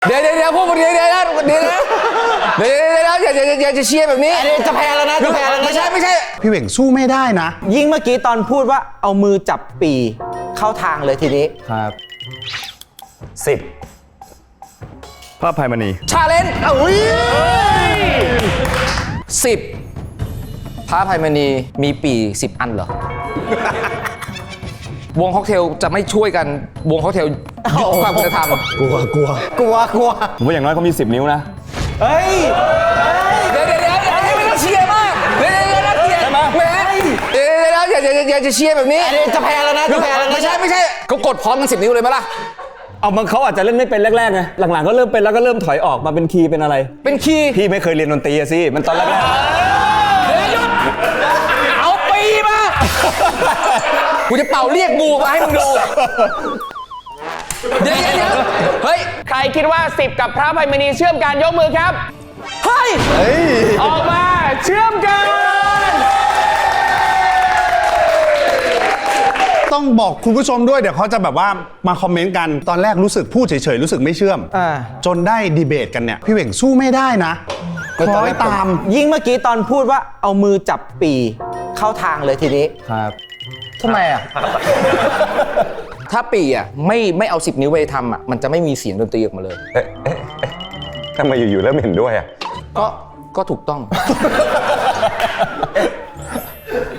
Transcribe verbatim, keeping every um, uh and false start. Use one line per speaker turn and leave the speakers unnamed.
เดี๋ยวเดี๋ยวเดี๋ยวพวกมึงเดี๋ยวเดี๋ยวเดี๋ยวเดี๋ยวเดี๋ยวเดี๋ยวอย่าอย่าอย่าจะเชียร์แบบนี้จะแพ้แล้วนะจะแพ้แล้วนะไม่ใช่ไม่ใช่
พี่เหว่งสู้ไม่ได้นะ
ยิ่งเมื่อกี้ตอนพูดว่าเอามือจับปีเข้าทางเลยทีนี้
ครับสิบพระอภัยมณี
ชาเลนจ์อุ้ยสิบพระอภัยมณีมีปีสิบอันเหรอวงค็อกเทลจะไม่ช่วยกันวงค็อกเทลยุบความคุณธรรม
กลัวกลัว
กลัวกลัว
ผมว่าอย่างน้อยเขามีสิบนิ้วนะ
เฮ้ย
เดี๋ยวเดี๋ยวเดี๋ยวเดี๋ยวไม่ต้องเชียร์มากเดี๋ยวเดี๋ยวน่าเกลียดแหมเดี๋ยวเดี๋ยวอย่าอย่าอย่าจะเชียร์แบบนี้
จะแพ้แล้วนะจะแพ้แล้วนะ
ไม่ใช่ไม่ใช่เขากดพร้อมกันสิบนิ้วเลยไหมล่ะ
เอามันเขาอาจจะเล่นไม่เป็นแรกๆไงหลังๆก็เริ่มเป็นแล้วก็เริ่มถอยออกมาเป็นคีย์เป็นอะไร
เป็นคีย์
พี่ไม่เคยเรียนดนตรีสิมันตอนแรกๆ
เดี๋ยวหยุดเอาปีมากูจะเป่าเรียกงูมาให้มึงดูเดี๋ยวเดี๋ยวเฮ้ย
ใครคิดว่าสิบกับพระอภัยมณีเชื่อมกันยกมือครับ
เฮ้ย
ออกมาเชื่อมกัน
ต้องบอกคุณผู้ชมด้วยเดี๋ยวเขาจะแบบว่ามาคอมเมนต์กันตอนแรกรู้สึกพูดเฉยๆรู้สึกไม่เชื่อมจนได้ดีเบตกันเนี่ยพี่เหว่งสู้ไม่ได้นะคล้อยตาม
ยิ่งเมื่อกี้ตอนพูดว่าเอามือจับปีเข้าทางเลยทีนี้
ครับ
ทำไมอ่ะถ้าปีอ่ะไม่ไม่เอาสิบนิ้วไปทำอ่ะมันจะไม่มีเสียงดนตรีออกมาเลย
เอ๊ะเอ๊ะเอ๊ะทำไมอยู่ๆเริ่มเห็นด้วยอ่ะ
ก็ก็ถูกต้อง